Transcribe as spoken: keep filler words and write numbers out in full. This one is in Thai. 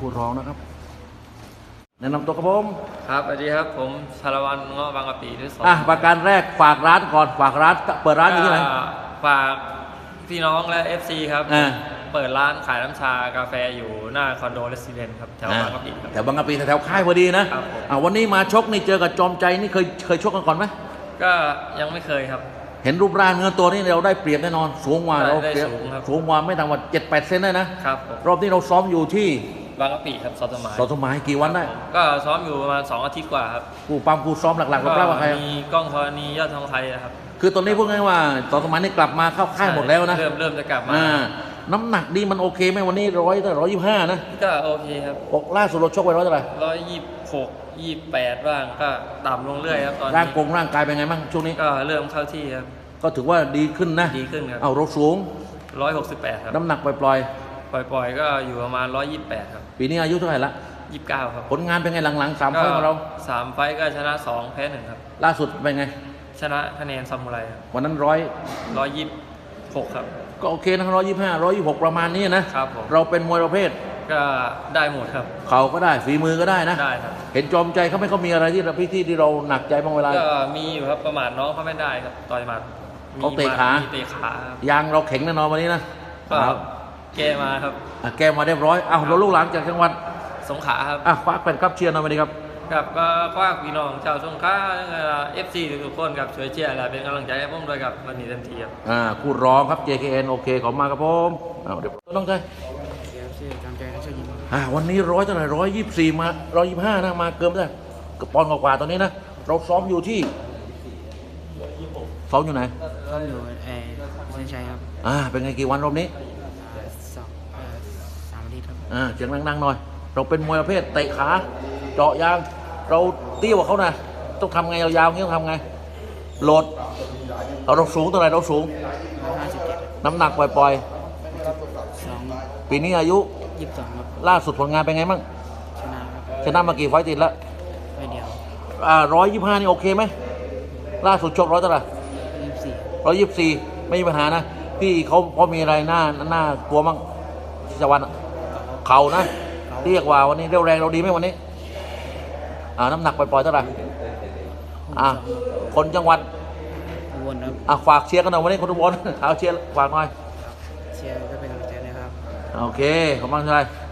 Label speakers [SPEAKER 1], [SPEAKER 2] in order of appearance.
[SPEAKER 1] คู่รองนะครับแนะนำตัวครับผม
[SPEAKER 2] ครับสวัสดีครับผมชาละวันเงาะบางกะปิที่สอง
[SPEAKER 1] อ่ะประการแรกฝากร้านก่อนฝากร้านเปิดร้านอยู่ที่ไหน
[SPEAKER 2] ก็ฝากพี่น้องและ เอฟ ซี ครับ
[SPEAKER 1] อ่า
[SPEAKER 2] เปิดร้านขายน้ำชากาแฟอยู่หน้าคอนโดเรสซิเดนต์ครับแถวบางกะปิครับ
[SPEAKER 1] แถวบางกะปิแถวค่ายพอดีนะครับ
[SPEAKER 2] ผม
[SPEAKER 1] อ่ะวันนี้มาชกนี่เจอกับจอมใจนี่เคยเคยชกกันก่อนไหม
[SPEAKER 2] ก็ยังไม่เคยครับ
[SPEAKER 1] เห็นรูปร่างเนื้อตัวนี่เราได้เปรียบแน่นอนสูงกว่า
[SPEAKER 2] ได้
[SPEAKER 1] เรา
[SPEAKER 2] ได้
[SPEAKER 1] เปรียบ
[SPEAKER 2] สูงครับ
[SPEAKER 1] สูงกว่าไม่ต่ำกว่าเจ็ดแปดเซนได้นะครับ
[SPEAKER 2] ผม
[SPEAKER 1] รอบนี้เราซ้อมอยู่ที่
[SPEAKER 2] บางกะปิครับซอสมาย
[SPEAKER 1] สอสมัยกี่วันได้
[SPEAKER 2] ก็ซ้อมอยู่ประมาณสองอาทิตย์กว่าครับ
[SPEAKER 1] กูปั๊มกูซ้อมหลักๆเราเปล่าว่าใคร
[SPEAKER 2] มีกล้องธรณียอดทองไทยนะครับ
[SPEAKER 1] คือตอนนี้พูดง่ายๆว่าสอสมัยนี่กลับมาเข้าค่ายหมดแล้วนะ
[SPEAKER 2] เริ่มเริ่มจะกลับมา
[SPEAKER 1] อ่าน้ำหนักดีมันโอเคไหมวันนี้ร้อยร้อยยี่สิบห้านะ
[SPEAKER 2] ก็โอเคครับ
[SPEAKER 1] บอกล่าสุดเราชกไปร้อยเท่าไหร่
[SPEAKER 2] ร้อยยี่สิบหกยี่สิบแปดบ้างก็ต่ำลงเรื่อยครับตอน
[SPEAKER 1] ร่าง
[SPEAKER 2] นี้
[SPEAKER 1] กงร่างกายเป็นไงบ้างช่วงนี้
[SPEAKER 2] ก็เริ่มเข้าที่ครับ
[SPEAKER 1] ก็ถือว่าดีขึ้นนะ
[SPEAKER 2] ดีขึ้นครับ
[SPEAKER 1] เอาเราสูง
[SPEAKER 2] ร้อยหกสิบแปดครับ
[SPEAKER 1] น้ำหนักปล่อย
[SPEAKER 2] ปล่อยๆ ก็อยู่ประมาณร้อยยี่สิบแปดครับ
[SPEAKER 1] ๆ ปีนี้อายุเท่าไหร่ละ
[SPEAKER 2] ยี่สิบเก้าครับ
[SPEAKER 1] ผลงานเป็นไงหลังๆสามไฟล์ของเรา
[SPEAKER 2] สามไฟต์ก็ชนะสองแพ้หนึ่งครับ
[SPEAKER 1] ล่าสุดเป็นไง
[SPEAKER 2] ชนะคะแนนซามูไรครับ
[SPEAKER 1] วันนั้นร้อย
[SPEAKER 2] ร้อยยี่สิบหกครับ
[SPEAKER 1] ก็โอเคนะร้อยยี่ห้าร้อยยี่หกประมาณนี้นะครับ
[SPEAKER 2] ผม
[SPEAKER 1] เราเป็นมวยประเภท
[SPEAKER 2] ก็ได้หมดครับ
[SPEAKER 1] เข่าก็ได้ฝีมือก็ได้นะ
[SPEAKER 2] ได้ครับ
[SPEAKER 1] เห็นจอมใจเขาไม่เขามีอะไรที่เราพี่ที่ที่เราหนักใจบางเวลา
[SPEAKER 2] ก็มีอยู่ครับประมาทน้องเขาไม่ได้ครับต่อยหมัดมี
[SPEAKER 1] เขาเตะ
[SPEAKER 2] หมัด
[SPEAKER 1] ขา
[SPEAKER 2] เตะขาครับ
[SPEAKER 1] ยางเราแข็งแน่นอนวันนี้นะ
[SPEAKER 2] ก็แกมาครับ
[SPEAKER 1] อ่ะแกมาเรียบร้อยอ้าวเราลูกหลานจากจังหวัด
[SPEAKER 2] สงขลาครับ
[SPEAKER 1] อ่ะคว้าแฟนครับเชียร์หน่อยมาดีครับ
[SPEAKER 2] ครับก็คว้าพี่น้องชาวสงขลาเอฟซีทุกๆคนครับช่วยเชียร์และเป็นกำลังใจให้ผมด้วยครับวันนี้เต็มที่ครับ
[SPEAKER 1] อ่าคู่ร้องครับ เจ เค เอ็น โอเคขอบคุณมากครับผมอ้าวเดี๋ยวต้องใจ
[SPEAKER 3] เสียชื่อจำใจและช่วยยิงครับ
[SPEAKER 1] อ่าวันนี้ร้อยเท่าไหร่ร้อยยี่สิบสี่มาร้อยยี่สิบห้านะมาเกินไปได้ก็ปอนด์กว่าๆตอนนี้นะเราซ้อมอยู่ที่ซ้อมอยู่ไหน
[SPEAKER 3] ก็อยู่เออเส้นชัยครับ
[SPEAKER 1] อ่าเป็นไงกี่วันรอบนี้
[SPEAKER 3] อ่าสองเอ่อสามอาทิตย์ครับ
[SPEAKER 1] อ่าเสียงดังๆหน่อย เราเป็นมวยประเภทเตะขาเจาะยางเราเตี้ยกว่าเขานะต้องทำไงยาวๆอย่างนี้ต้องทำไงโหลดเอาเราสูงเท่าไหร่เราสูง
[SPEAKER 3] ร้อยห้าสิบเจ็ด
[SPEAKER 1] น้ำหนักปล่อย
[SPEAKER 3] สอง
[SPEAKER 1] ๆ ปีนี้อายุ
[SPEAKER 3] ยี่สิบสองครับ
[SPEAKER 1] ล่าสุดผลงานเป็นไงบ้าง
[SPEAKER 3] ชนะครับ
[SPEAKER 1] ชนะมากี่ไฟต์ติดแล้ว
[SPEAKER 3] ไปเดียว
[SPEAKER 1] อ่าร้อยยี่ห้านี่โอเคไหมล่าสุดชกร้อยเท่าไหร่
[SPEAKER 3] ยี่สิบสี่
[SPEAKER 1] ร้อยยี่สิบสี่ไม่มีปัญหานะพี่เขาเขามีอะไรหน้าหน้ากลัวมั้งชวันอะเข่านะเรียกว่าวันนี้เรียวแรงเราดีไหมวันนี้อ่าน้ำหนักปล่อยๆเท่าไหร่อ่าคนจังหวัด
[SPEAKER 3] อุบลครับ
[SPEAKER 1] อ่ะฝากเชียร์กันหน่อยวันนี้คนทุกคนเอาเชียร์ฝากหน่อย
[SPEAKER 3] เชียร์ก็เป็นกำลังใจนะครับ
[SPEAKER 1] โอเคขอบคุณมากเลย